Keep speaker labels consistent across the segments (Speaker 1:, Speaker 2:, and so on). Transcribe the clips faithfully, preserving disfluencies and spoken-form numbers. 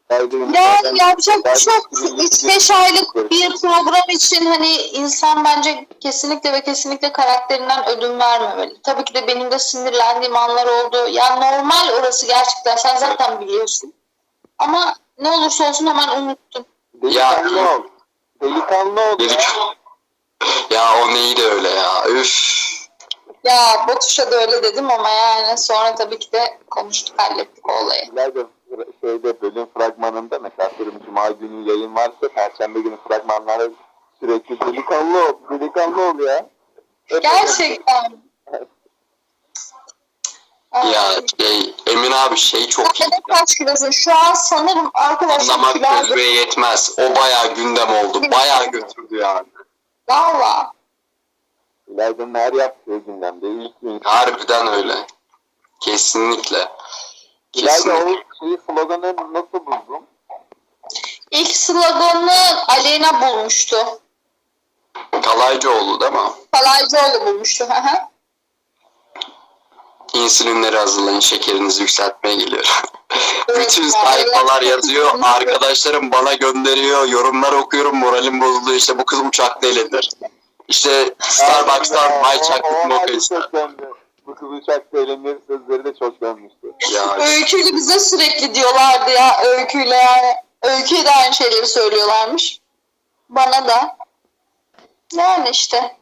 Speaker 1: Yani yapacak bir şey yok. üç beş aylık bir program için hani insan bence kesinlikle ve kesinlikle karakterinden ödün vermemeli. Tabii ki de benim de sinirlendiğim anlar oldu. Ya normal orası gerçekten, sen zaten biliyorsun. Ama ne olursa olsun hemen unuttum.
Speaker 2: Delikanlı
Speaker 3: Ya-
Speaker 2: ol. Delikanlı ol ya.
Speaker 3: Dedik. Ya o neydi öyle ya? Üf.
Speaker 1: Ya Batuş'a da öyle dedim ama yani sonra tabii ki de konuştuk, hallettik o olayı.
Speaker 2: İleride şeyde bölüm fragmanında mesela atıyorum Cuma günü yayın varsa Perşembe günü fragmanlarda sürekli delikanlı ol, delikanlı ol ya.
Speaker 1: Gerçekten.
Speaker 3: Ya şey, Emin abi şey çok iyi.
Speaker 1: Sen kaç kilosun? Şu an sanırım arkadaşlar
Speaker 3: Anlamak
Speaker 1: kilo aldım.
Speaker 3: gözüme yetmez. O bayağı gündem oldu. Bayağı götürdü yani.
Speaker 1: Valla.
Speaker 2: İleride her yaptığı gündemde ilk gün.
Speaker 3: Harbiden öyle. Kesinlikle.
Speaker 2: İleride
Speaker 3: Kesinlikle.
Speaker 2: o şeyi sloganı nasıl buldun?
Speaker 1: İlk sloganını Aleyna bulmuştu.
Speaker 3: Kalaycıoğlu değil mi?
Speaker 1: Kalaycıoğlu bulmuştu. Hı hı.
Speaker 3: İnsülinleri hazırlayın, şekerinizi yükseltmeye geliyor.
Speaker 1: Evet,
Speaker 3: Bütün
Speaker 1: ya,
Speaker 3: sayfalar
Speaker 1: evet.
Speaker 3: yazıyor, arkadaşlarım bana gönderiyor, yorumlar okuyorum, moralim bozuluyor. İşte bu kız uçakta elenir. İşte Starbucks'tan may çaklık moka ister.
Speaker 2: Çok döndü. Bu kız uçakta eğlenir sözleri de çok dönmüştü.
Speaker 3: Ya
Speaker 1: Öyküyle bize sürekli diyorlardı ya, Öyküyle yani. Öyküye de aynı şeyleri söylüyorlarmış. Bana da. Yani işte.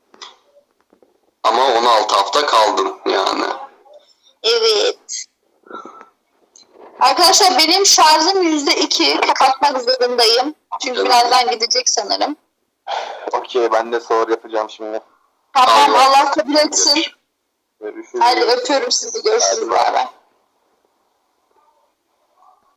Speaker 3: ama on altı hafta kaldın yani.
Speaker 1: Evet. Arkadaşlar benim şarjım yüzde iki. Kapatmak zorundayım. Çünkü
Speaker 3: Canım.
Speaker 1: birazdan gidecek sanırım.
Speaker 2: Okey ben de soru yapacağım şimdi.
Speaker 1: Tamam,
Speaker 3: Allah.
Speaker 1: Allah kabul etsin.
Speaker 2: Görüşürüz.
Speaker 1: Hadi öpüyorum sizi. Görüşürüz. Bay bay.